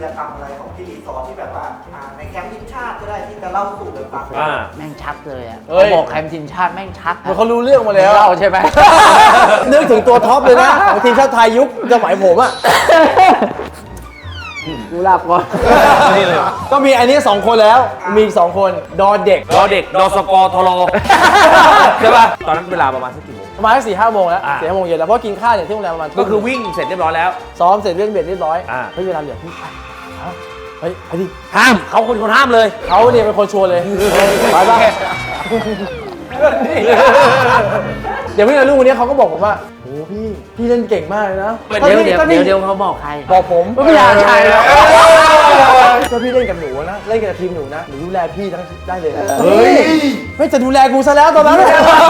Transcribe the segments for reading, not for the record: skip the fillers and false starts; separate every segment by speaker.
Speaker 1: รกรรมอะไรของพี่รีซอร์ที่แบบว่าในแคมป์ทีมชาติก็ได้ที่จะเล่าสู่กันฟัง
Speaker 2: แม่งชักเลยอ่ะ
Speaker 3: เฮ้ย
Speaker 2: บอกแคมป์ทีมชาติแม่งชัก
Speaker 3: เหมือนเขารู้เรื่องมาแล้ว
Speaker 2: เล่าใช่ไหม
Speaker 3: นึกถึงตัวท็อปเลยนะของทีมชาติไทยยุคสมัยผมอ่ะ
Speaker 2: กูหลับก่อน
Speaker 4: นี่เลย
Speaker 3: ก็มีอันนี้2คนแล้วมีอีก2คนดอเด็ก
Speaker 4: รอเด็กดอสกทรใช่ป่ะตอนนั้นเวลาประมาณสักกี่โมง
Speaker 3: ประมาณ4-5 โมงแล้ว
Speaker 4: อ่า
Speaker 3: 4-5 โมงเย็นแล้วเพราะกินข้าวเนี่ยที่โรงแรมประมาณ
Speaker 4: ก็คือวิ่งเสร็จเรียบร้อยแล้ว
Speaker 3: ซ้อมเสร็จเรื่องเบ็ดเรียบร้อย
Speaker 4: อ่า
Speaker 3: เฮ้ยเวลาเหลือพี่เฮ้ยไปดิ
Speaker 4: ห้ามเขาคนห้ามเลย
Speaker 3: เขาเนี่ยเป็นคนชวนเลยไปป่ะเดี๋ยวพี่ลูกคนนี้เขาก็บอกผมว่าโอ้พี่เล่นเก่งมากเลยนะ
Speaker 2: เดี๋ยวเขาบอกใคร
Speaker 3: บอกผม
Speaker 2: ไม่อยากใช่แล้ว
Speaker 3: ก็พี่เล่นกับหนูนะเล่นกับทีมหนูนะหนูดูแลพี่ทั้งได้เลยนะเฮ้ยไม่จะดูแลกูซะแล้วตอนนั้น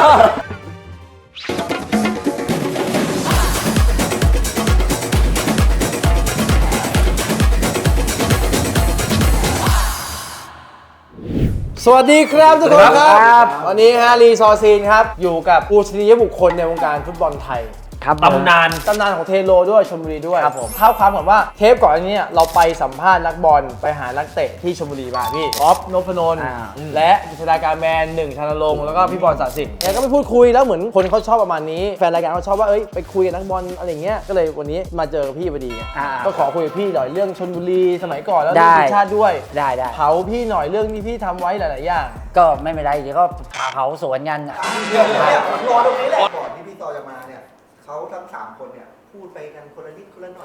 Speaker 3: สวัสดีครับทุกคนครับวันนี้ฮะรีซอร์ซีนครับอยู่กับปูชนียบุคคลในวงการฟุตบอลไทย
Speaker 2: ครับ
Speaker 4: ตำนาน
Speaker 3: ของเทโลด้วยชลบุรีด้วย
Speaker 2: ครับผม
Speaker 3: เท้าความก่อนว่าเทปก่อนอันนี้เราไปสัมภาษณ์นักบอลไปหานักเตะที่ชลบุรีมาพี่ออฟนพนนท์และกิษดาการแมน1 ชนรงค์แล้วก็พี่บอลศาสิทธิ์เนี่ยก็ไปพูดคุยแล้วเหมือนคนเขาชอบประมาณนี้แฟนรายการเขาชอบว่าเอ้ยไปคุยกับนักบอลอะไรเงี้ยก็เลยวันนี้มาเจอพี่พอดีไงก็ขอคุยกับพี่หน่อยเรื่องชลบุรีสมัยก่อนแล้วเรื่องทีมชาติด้วย
Speaker 2: ได้
Speaker 3: เผาพี่หน่อยเรื่องที่พี่ทำไว้หลายๆอย่าง
Speaker 2: ก็ไม่เป็นไรเดี๋ยวก็เผาสวนกัน
Speaker 1: เดี๋ยวเนี่ยผมรอตรงนี้แหละก่อนที่พี่ซอจะมาเนี่ยเขาทั้ง3 คนเนี่ยพูดไปกันคนละนิดคนละหน่อย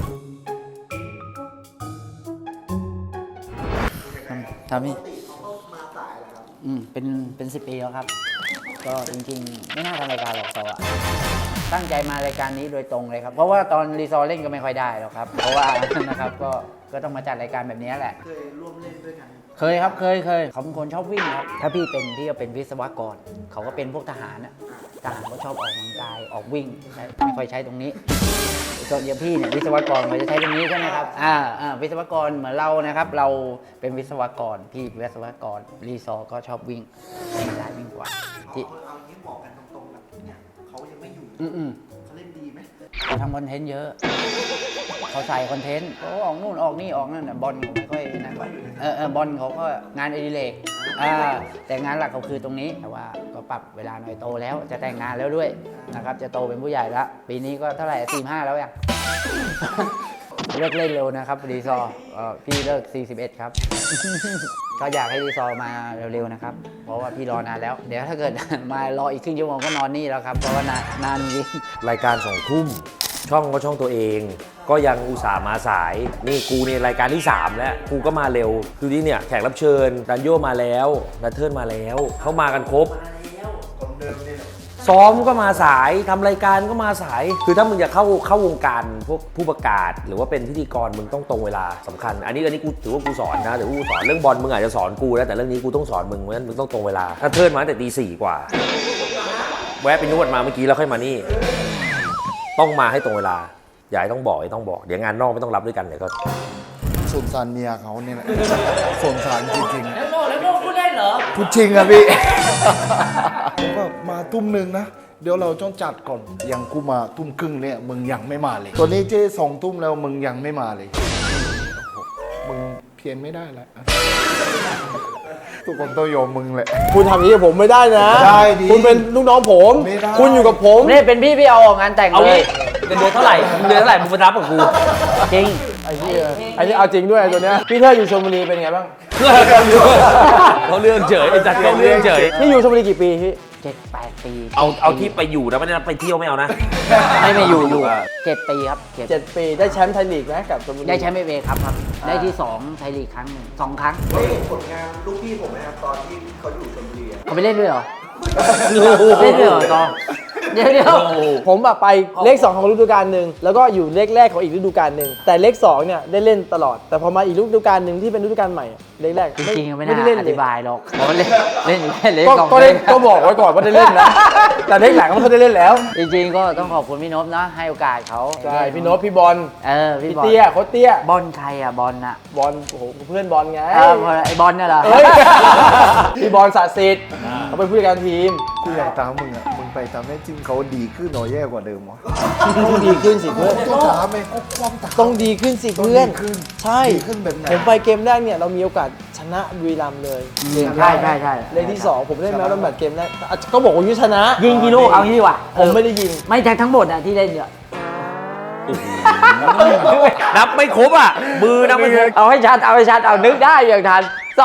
Speaker 2: ทำนี่
Speaker 1: ปกติเขาก็มาสายแหละครับ
Speaker 2: เป็น10 ปีแล้วครับ ก็จริงๆ ไม่น่าทำรายการหรอกซออะตั้งใจมารายการนี้โดยตรงเลยครับ เพราะว่าตอนรีซอร์เล่นก็ไม่ค่อยได้หรอกครับ เพราะว่า นะครับก็ต้องมาจัดรายการแบบนี้แหละ
Speaker 1: เคยร่วมเล่นด้วยกัน
Speaker 2: เคยครับเคยเขาเป็นคนชอบวิ่งครับถ้าพี่ก็เป็นวิศวกรเขาก็เป็นพวกทหารน่ะทหารก็ชอบออกกำลังกายออกวิ่งไม่ค่อยใช้ตรงนี้ส่วนอย่างพี่เนี่ยวิศวกรเราจะใช้ตรงนี้ใช่ไหมครับวิศวกรเหมือนเรานะครับ เราเป็นวิศวกรพี่วิศวกรรีซอร์ก็ชอบวิ่งไม่ได้วิ่งกว่าที่
Speaker 1: เอางี้บอกกันตรงๆแบบเนี่ยเขายังไม่อยู่ เขาเล่นดีไหม
Speaker 2: เขาทำคอนเทนต์เยอะเขาใส่คอนเทนต์เขาออกนู่นออกนี่ออกนั่นน่ะบอลเขาไม่ค่อยนะบอลเขาก็งานอดิเรกแต่งานหลักเขาคือตรงนี้แต่ว่าก็ปรับเวลาหน่อยโตแล้วจะแต่งงานแล้วด้วยนะครับจะโตเป็นผู้ใหญ่แล้วปีนี้ก็เท่าไหร่45แล้วยัง เลิกเล่นเร็วนะครับรีซอร์พี่เลิก41ครับ ก็อยากให้รีซอร์มาเร็วๆนะครับเพราะว่าพี่รอนานแล้วเดี๋ยวถ้าเกิด มารออีกครึ่งชั่วโมงก็นอนนี่แล้วครับเพราะว่านานจริง
Speaker 4: รายการ2 ทุ่มช่องก็ช่องตัวเอง ก็ยังอุตส่าห์มาสายนี่กูเนี่ยรายการที่3แล้วกูก็มาเร็วดูดิเนี่ยแขกรับเชิญดันโยมาแล้วดันเทิร์นมาแล้วเขามากันครบ
Speaker 1: คนเดิมนี่แหละ
Speaker 4: ซ้อมก็มาสายทำรายการก็มาสาย คือถ้ามึงจะเข้าวงการพวกผู้ประกาศ หรือว่าเป็นพิธีกรมึงต้องตรงเวลาสำคัญ อันนี้กูถือว่ากูสอนนะแต่กูสอนเรื่องบอลมึงอาจจะสอนกูแล้วแต่เรื่องนี้กูต้องสอนมึงเพราะฉะนั้นมึงต้องตรงเวลาถ้าเทิร์นมาตั้งแต่ตี 4 กว่าแวะไปนวดมาเมื่อกี้แล้วค่อยมานี่ต้องมาให้ตรงเวลาอย่าให้ต้องบอกเดี๋ยวงานนอกไม่ต้องรับด้วยกันเดี๋ยวก็
Speaker 5: สงสารเมียเขาเนี่ยแหละ สงสารจริง
Speaker 2: แล้วโน่พูดได้เหรอ
Speaker 5: ๆพูดจริงอะพี่ ผมก็มาทุ่มหนึ่งนะ เดี๋ยวเราต้องจัดก่อนยังกูมาทุ่มครึ่งเนี่ยมึงยังไม่มาเลย ตัวนี้เจ๊2 ทุ่มแล้วมึงยังไม่มาเลย มึงเพียนไม่ได้แล้วทุกคนต้องยอมมึงแหละ
Speaker 3: คุณทำอย่างนี้กับผมไม่ได้นะ
Speaker 5: ได้ดิ
Speaker 3: คุณเป็นลูกน้องผม
Speaker 5: ไม่ได้
Speaker 3: คุณอยู่กับผม
Speaker 2: นี่เป็นพี่เอาออกงานแต่ง
Speaker 4: เอา
Speaker 2: เล
Speaker 4: งี้
Speaker 2: ย
Speaker 4: เดือนเท่าไหร่มึงมารับกับกู
Speaker 2: จริง
Speaker 3: ไอ้ที่อันนี้เอาจริงด้วยไอ้ตัวเนี้ยพี่เธออยู่ชลบุรีเป็นไงบ้าง
Speaker 4: เขาเรื่องเฉยไอ้จัดเขาเรื่องเฉย
Speaker 3: พี่อยู่ชลบุรีกี่ปีพี่
Speaker 2: 7-8 ปี
Speaker 4: เอาที่ไปอยู่นะไม่ได้ไปเที่ยวไม่เอานะ
Speaker 2: ไม่อยู่7 ปีครับ
Speaker 3: 7 ปีได้แชมป์ไทยลีกไหมกับชลบุรี
Speaker 2: ได้แชมป์เอครับได้ที่2ไทยลีกครั้งหนึ่ง2 ครั้ง
Speaker 1: ได้เห็นผลงานลูกพี่ผมไหมครับตอนที่เขาอยู่ชลบุรีอะ
Speaker 2: เขาไปเล่นด้วยเหรอเล่นด้วยเหรอตอนเดี๋ยว
Speaker 3: ผมแบบไปเลข 2 ของฤดูกาลหนึ่งแล้วก็อยู่เลขแรกของอีกฤดูกาลหนึ่งแต่เลข 2เนี่ยได้เล่นตลอด แต่พอมาอีกฤดูกาลหนึ่งที่เป็นฤดูกาลใหม่อะเลขแรก
Speaker 2: จริงๆไม่
Speaker 3: ได้
Speaker 2: น่า
Speaker 3: เล่น
Speaker 2: อ
Speaker 3: เล
Speaker 2: ธิ
Speaker 3: ย
Speaker 2: บายหรอกเพราะว่าเล่นอยู่แค่เลข
Speaker 3: ก็
Speaker 2: สอง
Speaker 3: ก็ได้ก็บอกไว้ก่อนว่าได้เล่นนะ แต่เลขหลังมันก็ได้เล่นแล้ว
Speaker 2: จริงๆก็ต้องขอบคุณพี่นพนะให้โอกาสเขา
Speaker 3: ใช่พี่โน้ตพี่บอล
Speaker 2: พี่
Speaker 3: พี่
Speaker 2: บอล
Speaker 3: เตี้ยโค้ชเตี้ย
Speaker 2: บอลใครอ่ะบอลน่ะ
Speaker 3: บอลโอ้โหเพื่อนบอลไง
Speaker 2: ไอ้บอลเนี่ยเหรอ
Speaker 3: เฮ้ย พี่บอลศาสิทธิ์เขาเป็นผู้จัดการทีม
Speaker 5: กูอยากตามมึงอะมึงไปไปทำให้ทีมเขาดีขึ้นหน่อยแย่กว่าเดิมวะ
Speaker 3: ต้องดีขึ้นสิเพื่อน
Speaker 5: ต้องถามเองเขาความถาม
Speaker 3: ต้องดีขึ้นสิเพื่อน
Speaker 5: ต้องดีขึ้น
Speaker 3: ใช่
Speaker 5: ดีขึ้นแบบไหน
Speaker 3: ผมไปเกมแรกเนี่ยเรามีโอกาสชนะบุรีรัมย์เลย
Speaker 2: ใช่ใช่ใช่
Speaker 3: เลนที่ 2 ผมเล่นแมวแล้วแมตช์เกมแรกก็บอกว่ายุชนะ
Speaker 2: ยิงกี่ลูกเอางี้ดีกว่า
Speaker 3: ผมไม่ได้ยิง
Speaker 2: ไม่ใช่ทั้งหมดอะที่เล่นเนี่ย
Speaker 4: นับไม่ครบอ่ะ มือนับไม่ครบ
Speaker 2: เอาให้ชัดเอานึกได้อย่างทัน2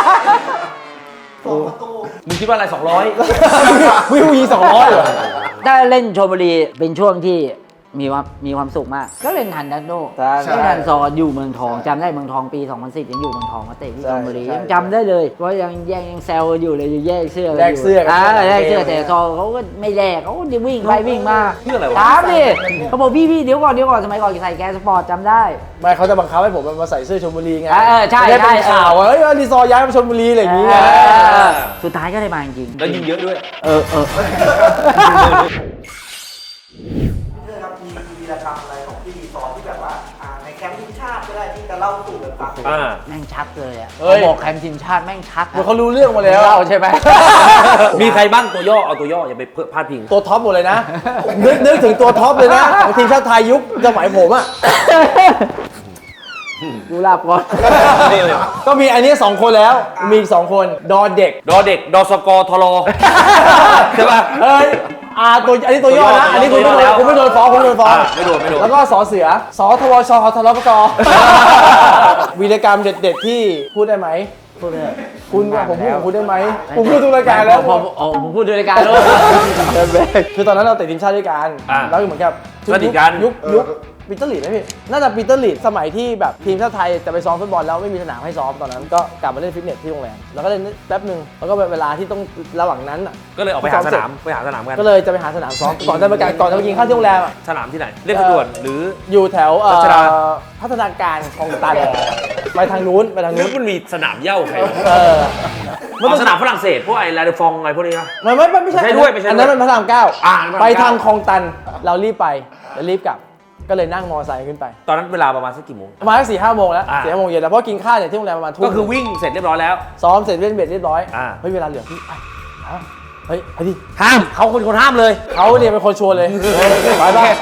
Speaker 4: มึงคิดว่าอะไร 200
Speaker 3: วิวยิง200เหรอ
Speaker 2: ถ้าเล่นชลบุรีเป็นช่วงที่มีความสุขมาก ก็เล่นทันดันโด
Speaker 3: ใช่
Speaker 2: เล่นทันซออยู่เมืองทองจำได้เมืองทองปี 2010ยังอยู่เมืองทองมาเตะที่ชลบุรี
Speaker 3: ใช่
Speaker 2: ยังจำได้เลยเพราะยังแซวกันอยู่เลยแยกเสื้อกัน
Speaker 3: แลกเสื้อกัน
Speaker 2: แลกเสื้อแต่ซอเขาก็ไม่แลกเขาก็จะวิ่งไปวิ่งมา
Speaker 4: เพื่ออะไรวะ
Speaker 2: ถามดิเขาบอกพี่เดี๋ยวก่อนสมัยก่อนใส่แกสปอร์ตจำได้
Speaker 3: ไม่เขาจะบังคับให้ผมมาใส่เสื้อชลบุรีไง
Speaker 2: ใช่
Speaker 3: จะได้เป็น
Speaker 2: ใช่
Speaker 3: ข่าวว่าเฮ้ยรีซอร์ย้ายมาชลบุรีอะไรอย่างเงี้ย
Speaker 2: สุดท้ายก็ได้มาจริง
Speaker 4: แล้วยิงเยอะด้วย
Speaker 2: เออ
Speaker 1: เรื่องครับมีวีรกรรมอะไรของพี่รีซอร์ที่แบบว่าในแคมป์ทีมชาติก็ได้ที่จะเล่าสู่กันฟัง
Speaker 2: แม่งชัดเลยอ่ะ
Speaker 3: เฮ้ย
Speaker 2: บอกแคมป์ทีมชาติแม่งชัด
Speaker 3: เหมือนเขารู้เรื่องมาแล้ว
Speaker 2: เล่าใช่ไหม
Speaker 4: มีใครบ้างตัวย่อ เอาตัวย่ออย่าไปพาดพิง
Speaker 3: ตัวท็อปหมดเลยนะ นึกถึงตัวท็อปเลยนะของทีมชาติไทยยุคสมัยผมอ่ะ
Speaker 2: กูหลับก่อน
Speaker 3: ก็มีอันนี้ 2 คนแล้ว มีอีก 2 คน ดอเด็ก
Speaker 4: ดอเด็ก ดอสกอทรอใช่ป่ะ
Speaker 3: เอ้ยอันนี้ตัวย่อนะ อันนี้คุณ
Speaker 4: ตัวย่อแล้ว
Speaker 3: ไม่โดนฟ้องคุณไม่โดนฟ้อง
Speaker 4: ไม่โดน
Speaker 3: แล้วก็สอเสือสอทวชทรปกวีรกรรมเด็ดๆที่พูดได้ไหมพูดได้คุณผมพูดของคุณได้ไหมผมพูดทุกรายการแล้ว
Speaker 2: ผมพูดด้วยรายการแล้ว
Speaker 3: คือตอนนั้นเราเตะทีมชาติด้วยกัน
Speaker 4: อ่า
Speaker 3: แล้วเหมือนกับ
Speaker 4: สนิทกัน
Speaker 3: ยุคปีเตอร์ลีดไหมพี่น่าจะปีเตอร์ลีดสมัยที่แบบทีมชาติไทยจะไปซ้อมฟุตบอลแล้วไม่มีสนามให้ซ้อมตอนนั้นก็กลับมาเล่นฟิตเนสที่โรงแรมแล้วก็เล่นแป๊บหนึ่งแล้วก็เวลาที่ต้องระหว่างนั้นอ่ะ
Speaker 4: ก็เลยออกไปหาสนามกัน
Speaker 3: ก็เลยจะไปหาสนามซ้อมก่อนจะไปกินข้าวที่โรงแรมอ่ะ
Speaker 4: สนามที่ไหน เรียบด่วนหรือ
Speaker 3: อยู่แถว
Speaker 4: รัชดา
Speaker 3: พัฒนาการคลองตันไปทางนู้นไปทาง
Speaker 4: นึ
Speaker 3: นู้
Speaker 4: ก
Speaker 3: น
Speaker 4: มันมีสนามเหย้าใครวะ
Speaker 3: ไม่
Speaker 4: สนามฝรั่งเศสพวกไอ้ลาเดฟองอะไรพวกนี้นะ
Speaker 3: ไม่ใช่
Speaker 4: ไม่ใช่ด้วยไม่ใช่ด้วย
Speaker 3: อันนั้นมันพระรามเก้า
Speaker 4: อ่าพระรามเก้า
Speaker 3: ไปทางคลองตันเรารีบไปแล้วรีบกลับ ก็เลยนั่งมอไซค์ขึ้นไป
Speaker 4: ตอนนั้นเวลาประมาณสักกี่โมง
Speaker 3: ประมาณ4-5 โมงแล้ว
Speaker 4: อ่า
Speaker 3: 4-5 โมงเย็นแล้วเพราะกินข้าวเนี่ยที่โรงแรมประมาณทุ่ม
Speaker 4: ก็คือวิ่งเสร็จเรียบร้อยแล้ว
Speaker 3: ซ้อมเสร็จเล่นเบ็ดเรียบร้อย
Speaker 4: อ่า
Speaker 3: เฮ้ยเวลาเหลือพี่เฮ้ยไปดิ
Speaker 4: ห้ามเขาคนห้ามเลย
Speaker 3: เขาเนี่ยเป็นคนชวนเลยไปบ้าง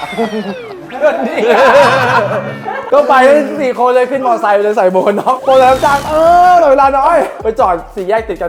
Speaker 3: ก็ไปกัน4 คนเลยขึ้นมอไซค์ไปเลยใส่โบนน็อกโบนแล้วจังเหลือเวลาน้อยไปจอด4 แยกติดกัน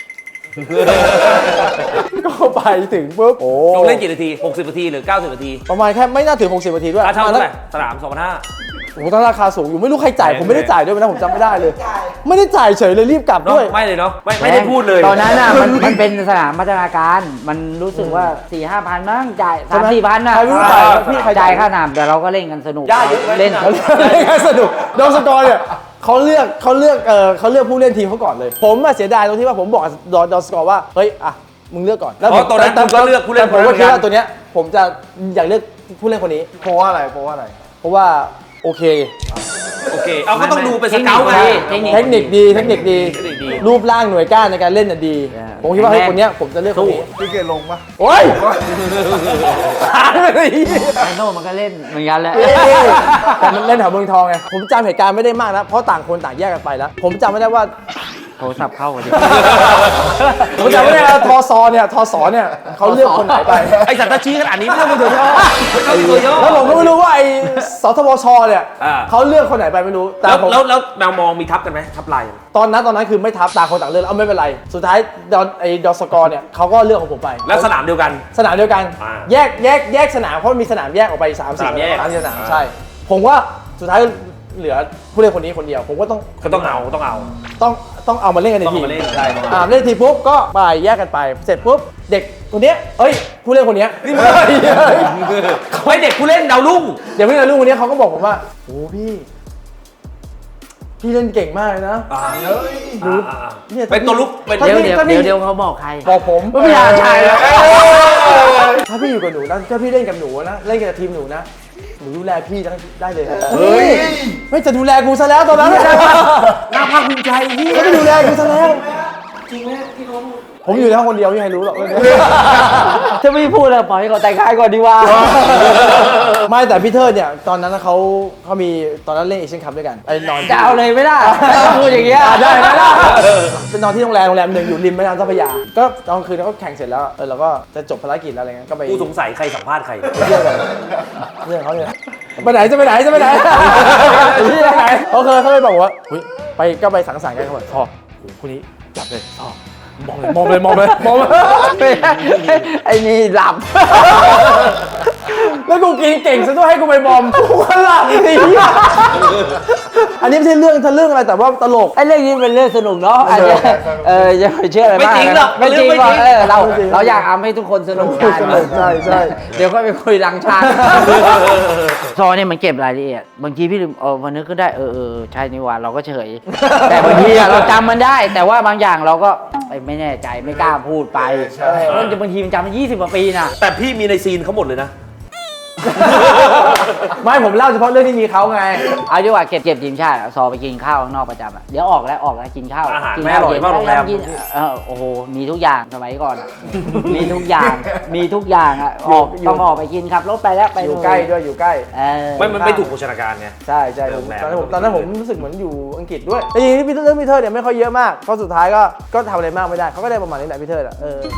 Speaker 3: ก็ไปถึงปุ๊บโอ้
Speaker 4: ลงเล่นกี่นาที 60 นาทีหรือ 90 นาที
Speaker 3: ประมาณแค่ไม่น่าถึง60 นาทีด้วย
Speaker 4: ค่าเช่า
Speaker 3: ประ
Speaker 4: เท่า
Speaker 3: มาณ
Speaker 4: ไหร่สนาม2,500
Speaker 3: โอ้โหตั้งราคาสูงอยู่ไม่รู้ใครจ่าย
Speaker 4: แพง
Speaker 3: ผมไม่ได้จ่ายด้วยนะผมจำไม่ได้เลย
Speaker 1: จ่าย
Speaker 3: ไม่ได้จ่ายเฉยเลยรีบกลับ
Speaker 4: เนาะ
Speaker 3: ด้วย
Speaker 4: ไม่เลยเนาะไม่ได้พูดเลย
Speaker 2: ตอนนั้นน่ะมันเป็นสนามพัฒนาการมันรู้สึกว่า 4-5 พันมั้งจ่าย
Speaker 3: ใช่ไหม
Speaker 2: 3-4 พันนะ
Speaker 3: ใครไม่รู้จ่ายพี่ใครจ่า
Speaker 2: จ่าย ยค่าหนามแต่เราก็เล่นกันสนุก
Speaker 4: ย่าเยอะไหม
Speaker 2: เล่น
Speaker 3: เขาเล่นสนุกดอสกอร์เนี่ยเขาเลือกผู้เล่นทีมเขาก่อนเลย ผมอะเสียดายตรงที่ว่าผมบอกดอสกอร์ว่าเฮ้ยอ่ะมึงเลือกก่อน
Speaker 4: เพราะตอนนั้นคุณก็เลือกผู้เล่น
Speaker 3: แต่ผมก็
Speaker 4: คนนั้น
Speaker 3: คิดว่าตัวเนี้ยผมจะอยากเลือกผู้เล่นคนนี้
Speaker 5: เพราะว่าอะไรเพราะว่าอะไร
Speaker 3: เพราะว่าโอเค
Speaker 4: โอเค เอาก็ต้องดูเป็นสเกลไง
Speaker 3: เทคนิคดี
Speaker 4: เทคนิคดี
Speaker 3: รูปร่างหน่วยก้านในการเล่นน่ะดี ผมคิดว่าเฮ้ยคนเนี้ยผมจะเลือกคนนี้
Speaker 5: พี่เกดลงปะ
Speaker 3: โอ้ยหายไปเลย
Speaker 2: ไอโน่มันก็เล่นเหมือนกันแหละ
Speaker 3: แต่มันเล่นแถวเมืองทองไง ผมจำเหตุการณ์ไม่ได้มากนะ เพราะต่างคนต่างแยกกันไปแล้ว ผมจำไม่ได้ว่า
Speaker 2: โทรศัพท์เข้ากันดิ
Speaker 3: ผมจำไม่ได้ว่าทอซอเนี่ยเขาเลือกคนไหนไป
Speaker 4: ไอสัตว์ตะชี้ขนาดนี้ไม่ต้องเป็นตัวย่อไม่ต้องเป็นตัวย่อ
Speaker 3: แล้วผมก็ไม่รู้ว่าไอ้สทบชเนี่ย
Speaker 4: อ่า
Speaker 3: เขาเลือกคนไหนไปไม่รู้ แต่ผม
Speaker 4: แล้วแมวมองมีทับกันไหมทับลาย
Speaker 3: ตอนนั้นคือไม่ทับต่างคนต่างเลือกเอาไม่เป็นไร สุดท้ายดอสกอร์เนี่ยเขาก็เลือกของผมไป
Speaker 4: แล้วสนามเดียวกัน
Speaker 3: สนามเดียวกัน
Speaker 4: อ่า
Speaker 3: แยกสนามเพราะมีสนามแยกออกไป3-4
Speaker 4: สนามแยก
Speaker 3: สนามใช่ ผมว่าสุดท้ายเหลือผู้เล่นคนนี้คนเดียว ผมก็ต้อง
Speaker 4: ก็ต้องเอา
Speaker 3: ต้องเอามาเล่นกันใน
Speaker 4: ต้อง
Speaker 3: ทีม
Speaker 4: เอามาเล่นใช่ต้องเอา
Speaker 3: เล่นทีปุ๊บก็ไปแยกกันไป เสร็จปุ๊บเด็กคนเนี้ยเอ้ยผู้เล่นคนเนี้ย
Speaker 4: ไอเด็กผู้เล่นดาวรุ่ง
Speaker 3: เดี๋ยวผู้เล่นลูกคนเนี้ยเขาก็บอกผมว่าโอ้พี่เล่นเก่งมากเลยนะ เนี่ย
Speaker 4: เป็นตัวลุกเป็น
Speaker 3: ถ้า
Speaker 2: เดี๋ยว
Speaker 3: พี่
Speaker 2: เดี๋ยว
Speaker 3: ถ้าพี่
Speaker 2: เดี๋ยวเขาบอกใคร
Speaker 3: บอกผม
Speaker 2: ไม่อยากใช่แล้ว
Speaker 3: ถ้าพี่อยู่กับหนูนะถ้าพี่เล่นกับหนูนะเล่นกับทีมหนูนะหนูดูแลพี่ได้เลยนะ
Speaker 5: เฮ้ย
Speaker 3: ไม่จะดูแลกูซะแล้วตอนนั้น
Speaker 4: น่าภาคภูมิใจพี่
Speaker 3: เขาไม่ดูแลกูซะแล้ว
Speaker 1: จริงไหมที่เขาพูด
Speaker 3: ผมอยู่ในห้องคนเดียวไม่มีใครรู้หรอก
Speaker 2: ถ้าไม่พูดเลยปล่อยให้เขาแต่งกายก่อนดีกว่า
Speaker 3: ไม่แต่พี่เทิดเนี่ยตอนนั้นเขามีตอนนั้นเล่นเอเชียนคัพด้วยกันไอ้นอน
Speaker 2: จะเอาเลยไม่ได้ถ้าพูดอย่างเงี้ย
Speaker 3: ได้ไหมล่ะเป็นนอนที่โรงแรมหนึ่งอยู่ริมแม่น้ำเจ้าพระยาก็ตอนคืนเราก็แข่งเสร็จแล้วเราก็จะจบภารกิจแล้วอะไรเงี้ยก็ไป
Speaker 4: กูสงสัยใครสัมภาษณ์ใคร
Speaker 3: เที่ยวกันเรื่องเขาเนี่ยไปไหนจะไปไหนไปไหนเขาเลยบอกว่าก็ไปสังสรรค์กันเขาบอกพ่อคนนี้จับเลยพ่อมองเลย
Speaker 2: ไอ้นี่หลับ
Speaker 3: แล้วกูกินเก่งซะด้วยให้กูไปมอมกูก็หลับสิอันนี้ไม่ใช่เรื่องทะลึ่งอะไรแต่ว่าตลก
Speaker 2: ไอ้เรื่องนี้เป็นเรื่องสนุกเนาะอาจจะอย่าไปเชื่ออะไรมาก
Speaker 4: ไม่จริงหรอก
Speaker 2: ไม่จริง
Speaker 4: ไม่
Speaker 2: หร
Speaker 4: จ
Speaker 2: อ
Speaker 4: ริ
Speaker 2: ก
Speaker 4: ง
Speaker 2: เราอยากทำให้ทุกคนสนุกกัน
Speaker 3: ใช่
Speaker 2: เดี๋ยวก็ไปคุยหลังชาติซอเนี่ยมันเก็บรายละเอียดบางทีพี่ลืมวันนึกก็ได้ใช่นี่หว่าเราก็เฉย แต่บางทีเราจำมันได้ แต่ว่าบางอย่างเราก็ไม่แน่ใจไม่กล้าพูดไปบางทีมันจำมัน20 กว่าปีนะ
Speaker 4: แต่พี่มีในซีนเขาหมดเลยนะ
Speaker 3: ไม่ผมเล่าเฉพาะเรื่องที่มีเขาไง
Speaker 2: เอาดีกว่าเก็บทีมชาติซอไปกินข้าวข้างนอกประจำอะเดี๋ยวออกแล้วกินข้าว
Speaker 4: อาหาร
Speaker 2: กิน
Speaker 4: ไม่
Speaker 2: ข้าว
Speaker 4: อร่อยมากโรงแรม
Speaker 2: กินโอ้โหมีทุกอย่างสมัยก่อนอะมีทุกอย่างอะต้องออกไปกินขับรถไปแล้วไป
Speaker 3: อยู่ใกล้ด้วยอยู่ใกล้
Speaker 4: มันไม่ถูกโภชนาการไง
Speaker 3: ใช่ผม
Speaker 4: โรงแรม
Speaker 3: ตอนนั้นผมรู้สึกเหมือนอยู่อังกฤษด้วยแต่จริงๆพี่เรื่องพีเตอร์เนี่ยไม่ค่อยเยอะมากเพราะสุดท้ายก็ทำอะไรมากไม่ได้เขาก็ได้ประมาณนี้แหละพี่เตอร์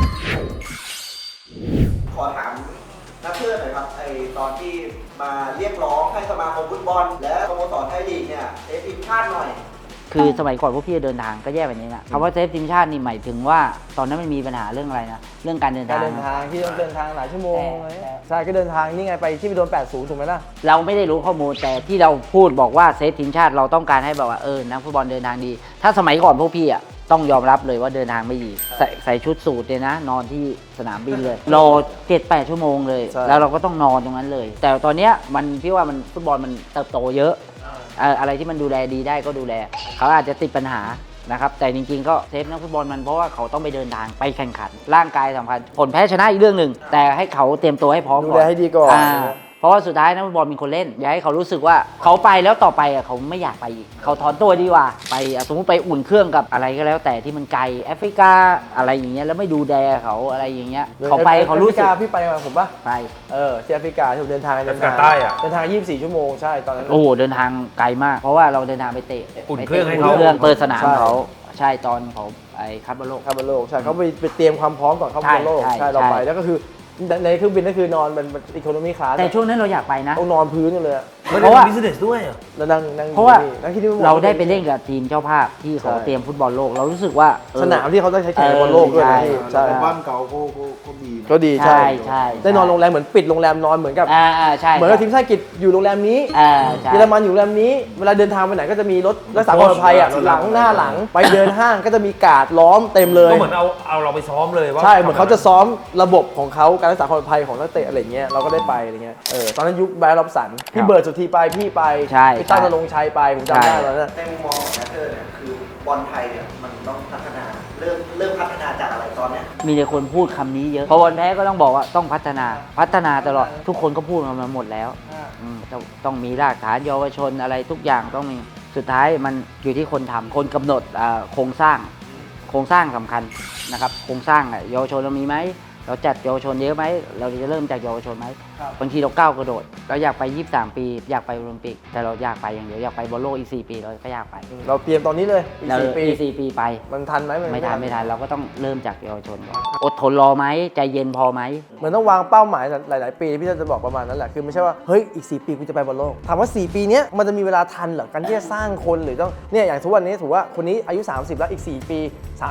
Speaker 1: ขอถามนักเพื่อนหน่อยครับไอตอนที่มาเรียกร้องให้สมาคมฟุตบอล และสโมสรไทยลีกเนี่ยเซฟทีมชาติหน่อย
Speaker 2: คือสมัยก่อนพวกพี่เดินทางก็แย่แบบนี้นะคำว่าเซฟทีมชาตินี่หมายถึงว่าตอนนั้นมันมีปัญหาเรื่องอะไรนะเรื่องการเดิน
Speaker 3: การ
Speaker 2: ทาง
Speaker 3: เดินทางที่ต้องเดินทางหลายชั่วโมง
Speaker 2: แต่
Speaker 3: ใช่ก็เดินทางนี่ไงไปที่ไปโดน80ถูกไหมล่ะ
Speaker 2: เราไม่ได้รู้ข้อมูลแต่ที่เราพูดบอกว่าเซฟทีมชาติเราต้องการให้แบบว่านักฟุตบอลเดินทางดี ถ้าสมัยก่อนพวกพี่อ่ะต้องยอมรับเลยว่าเดินทางไม่ดีใส่ชุดสูทเลยนะ นอนที่สนามบินเลยรอ 7-8 ชั่วโมงเลย แล้วเราก็ต้องนอนตรงนั้นเลย แต่ตอนเนี้ยพี่ว่ามันฟุตบอลมันเติบโตเยอะอะไรที่มันดูแลดีได้ก็ดูแลเขาอาจจะติดปัญหานะครับแต่จริงๆก็เซฟนักฟุตบอลมันเพราะว่าเขาต้องไปเดินทางไปแข่งขันร่างกายสำคัญผลแพ้ชนะอีกเรื่องหนึ่งแต่ให้เขาเตรียมตัวให้พร้อม
Speaker 3: ดู
Speaker 2: ก่อน
Speaker 3: แลให้ดีก่อน
Speaker 2: เพราะว่าสุดท้ายนักฟุตบอลเป็นคนเล่นอย่าให้เขารู้สึกว่าเขาไปแล้วต่อไปเขาไม่อยากไปอีกเขาถอนตัวดีกว่าไปสมมติไปอุ่นเครื่องกับอะไรก็แล้วแต่ที่มันไกลแอฟริกาอะไรอย่างเงี้ยแล้วไม่ดูแลเขาอะไรอย่างเงี้ยเขาไปเขารู้สึก
Speaker 3: พี่ไปมาผมปะ
Speaker 2: ไป
Speaker 3: ที่แอฟริกาที่ผมเดินทาง
Speaker 4: แอฟริกาใต้อะ
Speaker 3: เดินทาง24 ชั่วโมงใช่ตอนนั้น
Speaker 2: โอ้โหเดินทางไกลมาก เพราะว่าเราเดินทางไปเตะ
Speaker 4: อุ่นเครื่องให้
Speaker 2: อุ่
Speaker 4: เขา
Speaker 2: นเครื่องเปิดสนาม
Speaker 3: ใช่
Speaker 2: เขาใช่ตอนเขาไอ้คัพบอลโลก
Speaker 3: เข้าบอลโลกใช่เขาไปเตรียมความพร้อมก่อนเข้าบอลโลก
Speaker 2: ใช่
Speaker 3: ใช่เราไป
Speaker 2: ใช่
Speaker 3: แล้วก็คือในเครื่องบินก็คือนอนมันอีโคโนมี่คลาส
Speaker 2: แต่ช่วงนั้นเราอยากไปนะ
Speaker 3: ต้องนอนพื้นกันเลย
Speaker 4: ไม่
Speaker 2: เพ
Speaker 4: ได้
Speaker 2: ราะว่า
Speaker 4: บิสเนสด้วยอะ
Speaker 3: แล้วนั่ง
Speaker 2: เพราะว่า
Speaker 3: นั่งที่นี่
Speaker 2: เราได้ไปเล่นกับทีมเจ้าภาพที่เขา
Speaker 3: ใช่
Speaker 2: เตรียมฟุตบอลโลกเรารู้สึกว่า
Speaker 3: สนามที่เขาต้องใช้แข่งบอลโลกด้วยนะพี่ใช่
Speaker 5: แต่บ้านเก่าก็ดีนะ
Speaker 3: ก็ดีใช่
Speaker 2: ใช่
Speaker 3: ได้นอนโรงแรมเหมือนปิดโรงแรมนอนเหมือนกับ
Speaker 2: ใช่
Speaker 3: เหมือนกับทีมชาติอังกฤษอยู่โรงแรมนี้
Speaker 2: ใช่
Speaker 3: เยอรมันอยู่โรงแรมนี้เวลาเดินทางไปไหนก็จะมีรถรักษาความปลอดภัยอ่ะหลังหน้าหลังไปเดินห้างก็จะมีการ์ดล้อมเต็มเลย
Speaker 4: ก็เหมือนเอาเราไปซ้อมเลยว่า
Speaker 3: ใช่เหมือนเขาจะซ้อมระบบของเขาการรักษาความปลอดภัยของนักเตะอะไรเงี้ยเราก็ได้ไปอะไรเงี้ยตอนนั้นยุคแบร์ล็อบสันพี่เบิร์ดสุธีไปพี่ไป
Speaker 2: ใช่
Speaker 3: พี่ตั้งนรงค์ชัยไปผมจำได้ตอนนั้น
Speaker 1: ในมุมมองของนักเตะเนี่ยคือบอลไทยเนี่ยมันต้องพัฒนาเริ่มพัฒนาจากอะไรตอนเนี้ย
Speaker 2: มีแต่คนพูดคำนี้เยอะพอบอลแพ้ก็ต้องบอกว่าต้องพัฒนาตลอดทุกคนก็พูดมาหมดแล้วต้องมีรากฐานเยาวชนอะไรทุกอย่างต้องมีสุดท้ายมันอยู่ที่คนทำคนกำหนดโครงสร้างสำคัญนะครับโครงสร้างเยาวชนเรามีไหมเราจัดเยาวชนเยอะไหมเราจะเริ่มจากเยาวชนไหมบางทีเราก้าวกระโดดเราอยากไป23 ปีอยากไปโอลิมปิกแต่เราอยากไปอย่างเดียวอยากไปบอลโลกอีก4 ปีเราก็อยากไป
Speaker 3: เราเตรียมตอนนี้เลยอีก
Speaker 2: เรา
Speaker 3: 4 ปี
Speaker 2: อีก4 ปีไป
Speaker 3: มันทันไหม
Speaker 2: ไม่ทันเราก็ต้องเริ่มจากเยาวชนก่อนอดทนรอไหมใจเย็นพอไหม
Speaker 3: เหมือนต้องวางเป้าหมายหลาย ๆ ปีพี่จะบอกประมาณนั้นแหละคือไม่ใช่ว่าเฮ้ยอีก4 ปีกูจะไปบอลโลกถามว่า4 ปีเนี้ยมันจะมีเวลาทันเหรอการที่จะสร้างคนหรือต้องเนี่ยอย่างทุกวันนี้ถือว่าคนนี้อายุ30แล้วอีก4 ปี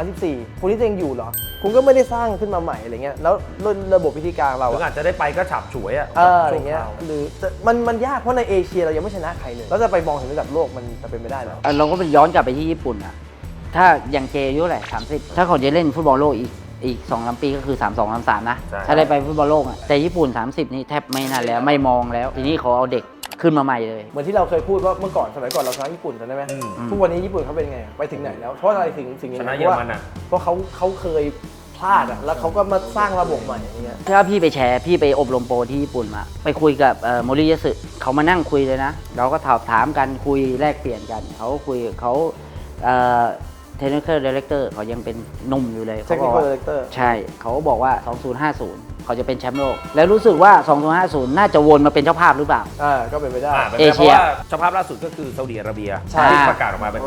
Speaker 3: 34คนนี้จะยังอยู่เหรอคุณก็ไม่ได้สร้างขึ้นมาใหม่อะไรเงี้ยแล้วระบบวิธีการเรา
Speaker 4: ถึงอาจจะได้ไปก็ฉับฉวยอะ
Speaker 3: อะไรเงี้ยหรือมันยากเพราะในเอเชียเรายังไม่ชนะใครเลยแล้วจะไปมองถึงระดับโลกมันจะเป็นไม่ได้หรอ
Speaker 2: เราก็เป็นย้อนกลับไปที่ญี่ปุ่นอะถ้าอย่างเจอายุเท่าไหร่30ถ้าเขาจะเล่นฟุตบอลโลกอีก 2-3 ปีก็คือ 32-33 นะ ถ้าได้ไปฟุตบอลโลกอะแต่ญี่ปุ่น 30 นี่แทบไม่นั่นแล้วไม่มองแล้วทีนี้เขาเอาเด็กขึ้นมาใหม่เลย
Speaker 3: เหมือนที่เราเคยพูดว่าเมื่อก่อนสมัยก่อนเราชนะญี่ปุ่นจำได้ไหมทุกวันนี้ญี่ปุ่นเขาเป็นไงไปถึงไหนแล้วเพราะอะไรถึงสิ่งนี้
Speaker 4: ชนะ
Speaker 3: เพ
Speaker 4: เยอ
Speaker 3: ราะ
Speaker 4: ร
Speaker 3: ว่า
Speaker 4: มันอะ
Speaker 3: เพราะเขาเคยพลาดอ่ะแล้วเขาก็มาสร้างระบบใหม่อย่างเงี้ย
Speaker 2: ถ้าพี่ไปแชร์พี่ไปอบรมโปรที่ญี่ปุ่นมาไปคุยกับโมริยะสึเขามานั่งคุยเลยนะเราก็ถามกันคุยแลกเปลี่ยนกันเขาคุยเขา technical director เขายังเป็นหนุ่มอยู่เลยเขาบอก
Speaker 3: Technical
Speaker 2: ว่า
Speaker 3: Director
Speaker 2: ใช่เขาก็บอกว่า 2050 เขาจะเป็นแชมป์โลก แล้วรู้สึกว่า 2050 น่าจะวนมาเป็นเจ้าภาพหรือเปล่า
Speaker 3: ก็เป็นไปได้
Speaker 4: เป็น
Speaker 2: เอ
Speaker 4: ไป
Speaker 2: เชี
Speaker 4: เพราะ
Speaker 2: ย
Speaker 4: ว่าเจ้าภาพล่าสุดก็คือซาอุดิอาระเบีย
Speaker 3: ใช่
Speaker 4: ที่ประกาศออกมาเป็น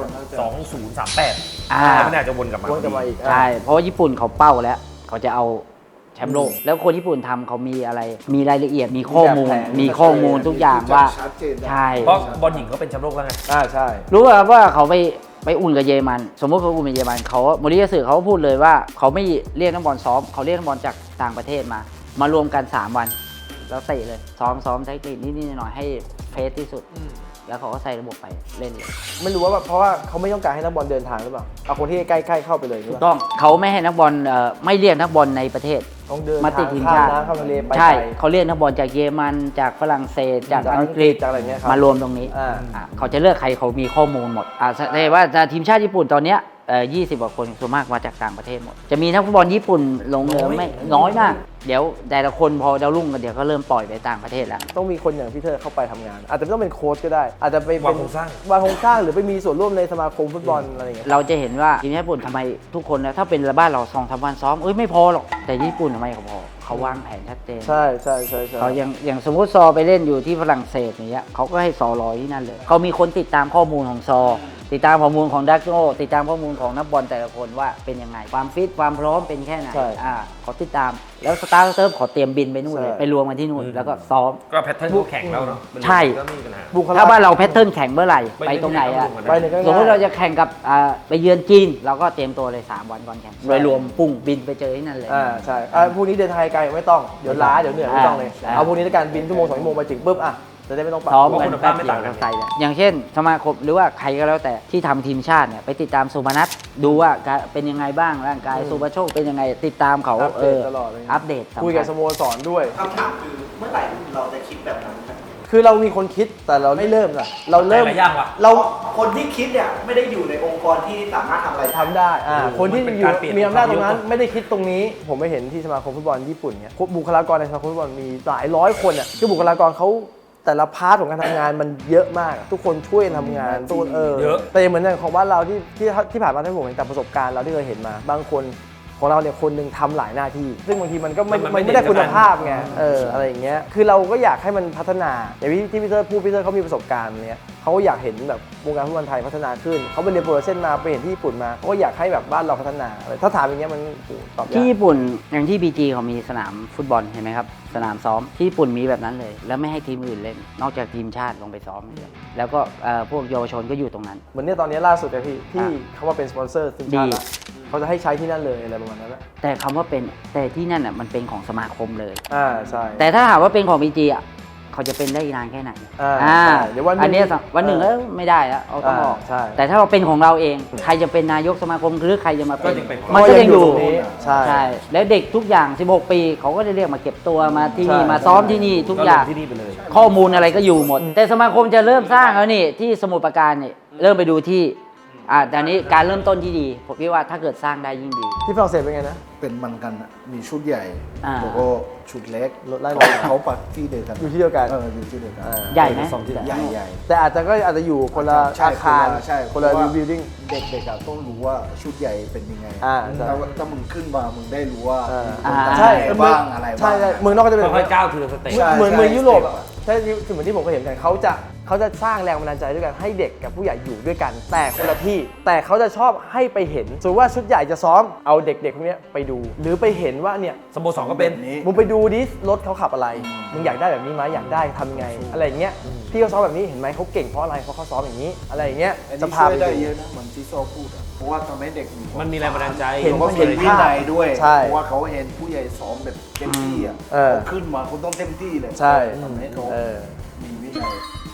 Speaker 4: 2038
Speaker 2: อ่า
Speaker 4: ไม่น่าจะวนกลับมา
Speaker 3: วนกลับมาอีก
Speaker 2: ใช่ เพราะว่าญี่ปุ่นเขาเป้าแล้ว เขาจะเอาแชมป์โลก แล้วคนญี่ปุ่นทำเขามีอะไร มีรายละเอียด มีข้อมูล มีข้อมูลทุกอย่างว่า
Speaker 5: ชัดเจนนะ
Speaker 2: ใช่
Speaker 4: เพราะบอลหญิงเขาเป็นแชมป์โลกแล้วไง
Speaker 3: ใช่
Speaker 2: รู้ป่ะว่าเขาไปอุ่นกับเยอรมัน สมมติเขาอุ่นกับเยอรมันเขาโมริยาสึเขาก็พูดเลยว่าเขาไม่เรียกนักบอลซ้อมเขาเรียกนักบอลจากต่างประเทศมารวมกัน 3 วัน แล้วเตะเลยซ้อมเทคนิคนิดๆหน่อยๆให้เฟสที่สุด แล้วเขาก็ใส่ระบบไปเล่นเลย
Speaker 3: ไม่รู้ว่าแบบเพราะว่าเขาไม่ต้องการให้นักบอลเดินทางหรือเปล่าเอาคนที่ใกล้ๆเข้าไปเลยหรือ
Speaker 2: ถู
Speaker 3: เป
Speaker 2: ก
Speaker 3: ล่า
Speaker 2: ต้องเขาไม่ให้นักบอลไม่เรียกนักบอลในประเทศ
Speaker 3: ต้องเดิน
Speaker 2: มาติด
Speaker 3: ทาง
Speaker 2: ทีม
Speaker 3: ข้าม
Speaker 2: ชาติ
Speaker 3: น้ำข้ามทะเลไป
Speaker 2: ใช่
Speaker 3: ไกล
Speaker 2: เขาเรียกนักบอลจากเยอรมันจากฝรั่งเศสจากอังกฤษ
Speaker 3: จากอะไรเงี้ยครับ
Speaker 2: มารวมตรงนี้ เขาจะเลือกใครเขามีข้อมูลหมดแสดงว่าทีมชาติญี่ปุ่นตอนเนี้ย20 กว่าคนส่วนมากมาจากต่างประเทศหมด จะมีนักฟุตบอลญี่ปุ่นลงเหลือไม่น้อยมาก เดี๋ยวแต่ละคนพอดาวรุ่งกันเดี๋ยวก็เริ่มปล่อยไปต่างประเทศแล้ว
Speaker 3: ต้องมีคนอย่างพี่เธอเข้าไปทำงาน อาจจะไม่ต้องเป็นโค้ชก็ได้ อาจจะไปเป็น
Speaker 4: วางโครงสร้าง
Speaker 3: วางโครงสร้างหรือไปมีส่วนร่วมในสมาคมฟุตบอลอะไรอย่างเงี้ย
Speaker 2: เราจะเห็นว่าทีมชาติญี่ปุ่นทำไมทุกคนนะถ้าเป็นบ้านเรา2-3 วันซ้อมไม่พอหรอกแต่ญี่ปุ่นทำไมเขาพอเขาวางแผนชัดเจน
Speaker 3: ใช่
Speaker 2: เขาอย่างสมมติซอไปเล่นอยู่ที่ฝรั่งเศสอย่างเงี้ยเขาก็ให้ซอรอที่นั่นเลยเขามีคนติดตามข้อมูลของซอ ติดตามข้อมูลของดักโนติดตามข้อมูลของนักบอลแต่ละคนว่าเป็นยังไงความฟิตความพร้อมเป็นแค่ไหนเขาติดตามแล้วสตาร์เติร์ฟขอเตรียมบินไปนู่นเลยไปรวมกันที่นู่นแล้วก็ซ้อม
Speaker 4: ก็แพทเทิร์นเขาแข่งแล้วเนาะ
Speaker 2: ใช่
Speaker 4: ก็ไม่มีปัญหา
Speaker 3: บุคลา
Speaker 2: ถ้าบ้านเราแพทเทิร์นแข่งเมื่อไหร่ไปตรงไหนอะ
Speaker 3: ไปหนึ่งก็
Speaker 2: สมมติ
Speaker 3: ง่า
Speaker 2: เรา
Speaker 3: ย
Speaker 2: จะแข่งกับไปเยือนจีนเราก็เตรียมตัวเลย3 วันก่อนแข่งโดยรวมปุ้งบินไปเจอที่นั่นเลย
Speaker 3: ใช่พวกนี้เดินทางไกลไม่ต้องเดี๋ยวล้าเดี๋ยวเหนื่อยไม่ต้องเลย เอาพวกนี้ในการบินชั่วโมง2 ชั่วโมงไปถึงปุ๊บจะได้ไม่ต้องปรับ
Speaker 2: ซ้อมกัน
Speaker 4: คุณภา
Speaker 2: แป๊
Speaker 4: พ
Speaker 2: บ
Speaker 4: ไม่
Speaker 2: เดีย
Speaker 4: ต่าว งกัน
Speaker 2: ก็ใส่แล้วอย่างเช่นสมาคมหรือว่าใครก็แล้วแต่ที่ทำทีมชาติเนี่ยไปติดตามสุพนัทดูว่าเป็นยังไงบ้างร่างกายสุภโชคเป็นยังไงติดตามเขา
Speaker 3: อัปเดตตลอดเลย
Speaker 2: อัปเดตสำ
Speaker 3: คุยกับส
Speaker 2: คัญ
Speaker 3: โมสรด้วย
Speaker 1: คำถามคือเมื่อไหร่เราจะคิดแบบนั้นครับ
Speaker 3: คือเรามีคนคิดแต่เราไม่เริ่มอะเราเริ่ม
Speaker 4: แต่ละอย่างว่ะ
Speaker 3: เรา
Speaker 1: คนที่คิดเนี่ยไม่ได้อยู่ในองค์กรที่สามารถทำอะไรได้
Speaker 3: ทำได้คนที่
Speaker 4: มันเป็น
Speaker 3: อยู่
Speaker 4: การเปลี่ยน
Speaker 3: มีอำนาจตรงนั้น
Speaker 4: ความยุค
Speaker 3: ไม่ได้คิดตรงนี้ ผมไปเห็นที่สมาคมฟุตบอลญี่ปุ่นเนี่ยบุคลากรในสมาคมฟุตบอลมีหลายร้อยคนอ่ะคือบุคลากรเขาแต่ละพาร์ทของการทำงานมันเยอะมากอะทุกคนช่วยกันทำงานทุกคน
Speaker 4: เยอะ
Speaker 3: แต่เหมือนอย่างของบ้านเราที่ผ่านมาที่ผมเห็นแต่ประสบการณ์เราที่เคยเห็นมา บางคนของเราเนี่ยคนหนึ่งทำหลายหน้าที่ ซึ่งบางทีมันก็มันไม่ได้คุณภาพไงอะไรอย่างเงี้ยคือเราก็อยากให้มันพัฒนาอย่างที่พี่เตอร์พูดพี่เตอร์เขามีประสบการณ์เนี่ยเขาก็อยากเห็นแบบวงการฟุตบอลไทยพัฒนาขึ้นเขาไปเรียนโปรเซนมาไปเห็นที่ญี่ปุ่นมาเขาก็อยากให้แบบบ้านเราพัฒนาถ้าถามอย่างเงี้ยมันโอ้โหตอบยาก
Speaker 2: ที่ญี่ปุ่นอย่างที่ BG เขามีสนามฟุตบอลเห็นไหมครับสนามซ้อมที่ญี่ปุ่นมีแบบนั้นเลย แล้วไม่ให้ทีมอื่นเล่น นอกจากทีมชาติลงไปซ้อมอย่างเดียวแล้วก็พวกเยาวชนก็อยู่ตรงนั้น
Speaker 3: เหมือนเนี่ยตอนนี้ล่าสุดอะพี่ที่เขาว่าเป็นสปอนเซอร์ทีมชาติละเขาจะให้ใช้ที่นั่นเลยอะไรประมาณนั้นแหละ
Speaker 2: แต่คำว่าเป็นแต่ที่นั่นอ่ะมันเป็นของสมาคมเลย
Speaker 3: ใช่
Speaker 2: แต่ถ้าหากว่าเป็นของ BG อ่ะเขาจะเป็นได้อีกนานแค่ไหน
Speaker 3: ใช่เดี๋ยววันหนึ่ง
Speaker 2: อันเนี้ยวันหนึ่งแล้วไม่ได้แล้วเอาต้องออก
Speaker 3: ใช่
Speaker 2: แต่ถ้าเราเป็นของเราเองใครจะเป็นนายกสมาคมหรือใครจะมาเป็น
Speaker 4: ก็ยังเป็น
Speaker 2: มันก็ยังอยู่
Speaker 3: ตรงนี้ใช่
Speaker 2: ใช่แล้วเด็กทุกอย่าง 16 ปีเขาก็จะเรียกมาเก็บตัวมาที่นี่
Speaker 3: ใช่
Speaker 2: มาซ้อมที่นี่ทุก
Speaker 4: ก็
Speaker 2: อ
Speaker 4: ล
Speaker 2: ย่าง
Speaker 4: งที่นี่ไปเลย
Speaker 2: ข้อมูลอะไรก็อยู่หมด แต่สมาคมจะเริ่มสร้างแล้วนี่ที่สมุทรปราการนี่เริ่มไปดูที่แต่อันนี้การเริ่มต้นที่ดีผมคิดว่าถ้าเกิดสร้างได้ยิ่งดี
Speaker 3: ที่ฝรั่งเศสเป็นไงนะ
Speaker 5: เป็นมันกันอะมีชุดใหญ่
Speaker 2: อ่า
Speaker 5: แล้วก็ชุดเล็ก
Speaker 3: ไล่
Speaker 5: เขาปักที่เดียวกัน
Speaker 3: อยู่ที่เดียวกัน
Speaker 5: อยู่ที่เดียวกัน
Speaker 2: ใหญ่ไหม
Speaker 5: สองที่ใหญ่ใหญ่
Speaker 3: แต่อาจจะอยู่คนละ
Speaker 5: ใช่
Speaker 3: อาคาร
Speaker 5: ใช่
Speaker 3: คนละ
Speaker 5: เพราะว่า
Speaker 3: building
Speaker 5: เด็กๆอะต้องรู้ว่าชุดใหญ่เป็นยังไง
Speaker 3: ใช่
Speaker 5: ถ้ามึงขึ้นมามึงได้รู้ว่า
Speaker 3: ใช่
Speaker 5: อะไรบ้างอะไรบ้าง
Speaker 3: ใช่เมืองนอกก็จะเป็น
Speaker 4: ค่อยๆก้าวทีละสเต็ป
Speaker 5: ใช่
Speaker 3: เหมือนยุโรปอะ
Speaker 5: ใช่
Speaker 3: ใช่คือเหมือนที่ผมเคยเห็นกันเขาจะสร้างแรงบันดาลใจด้วยกันให้เด็กกับผู้ใหญ่อยู่ด้วยกัน แต่คนละที่แต่เขาจะชอบให้ไปเห็นสมมติว่าชุดใหญ่จะซ้อมเอาเด็กๆพวกเนี้ยไปดู หรือไปเห็นว่าเนี่ย
Speaker 4: สโมสรก็เป็น
Speaker 5: แบบนี้
Speaker 3: มึงไปดูดิรถเขาขับอะไรมึงอยากได้แบบนี้ไหมอยากได้ทำยังไง อะไรอย่างเงี้ยพี่เขาซ้อมแบบนี้เห็นไหมเขาเก่งเพราะอะไรเพราะเขาซ้อมอย่างนี้ อะไรอย่างเงี้ย
Speaker 5: อัน
Speaker 3: จะ
Speaker 5: นี้
Speaker 3: พา
Speaker 5: ช่ว
Speaker 3: ไป
Speaker 5: ยได้
Speaker 3: ดู
Speaker 5: เยอะนะเหมือนที่โซพูดอะเพราะว่าทำให้เด็กมี
Speaker 4: มันมีแรงบันดาลใจ
Speaker 3: เห็น
Speaker 5: เขาเห็นวินัยด้วย
Speaker 3: ใช่
Speaker 5: เพราะว่าเขาเห็นผู้ใหญ่ซ้อมแบบเต็มที่อ่ะ เขาขึ้นมาเขาต้องเต็มที่เลย
Speaker 3: ใช่
Speaker 5: ทำให้เขามีวินัย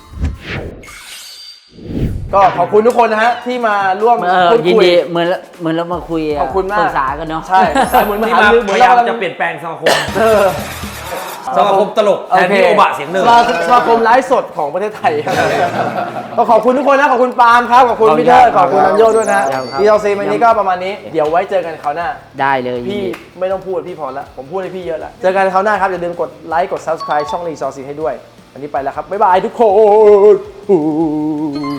Speaker 3: ก็ขอบคุณทุกคนนะฮะที่มาร่วมพูด
Speaker 2: ยิน
Speaker 3: คุย
Speaker 2: ดีเหมือนเรามาคุย
Speaker 3: ขอบคุณมาก
Speaker 2: ปรึกษากันเนาะ
Speaker 3: ใช่เหมือน
Speaker 4: ที่
Speaker 3: หา
Speaker 4: มา
Speaker 3: รือเหมื
Speaker 4: พ
Speaker 3: อน
Speaker 4: ยายาม
Speaker 3: เรากำลัง
Speaker 4: จะเปลี่ยนแปลงสมาคม
Speaker 3: เออ
Speaker 4: สมาคมตลกแทนที่โอบะเสียงหนึ่ง
Speaker 3: สมาคมไลฟ์สดของประเทศไทยก็ขอบคุณทุกคนนะขอบคุณปาล์มครับขอบคุณพี่เทอร์ขอบคุณนันโยด้วยนะพี่เอาซีวันนี้ก็ประมาณนี้เดี๋ยวไว้เจอกันคราวหน้า
Speaker 2: ได้เลยยิน
Speaker 3: พี่
Speaker 2: ดี
Speaker 3: ไม่ต้องพูดพี่พอแล้วผมพูดให้พี่เยอะแล้วเจอกันคราวหน้าครับอย่าลืมกดไลค์กด subscribe ช่องรีซอร์ซีให้ด้วยวันนี้ไปแล้วครับบ๊ายบายทุกคน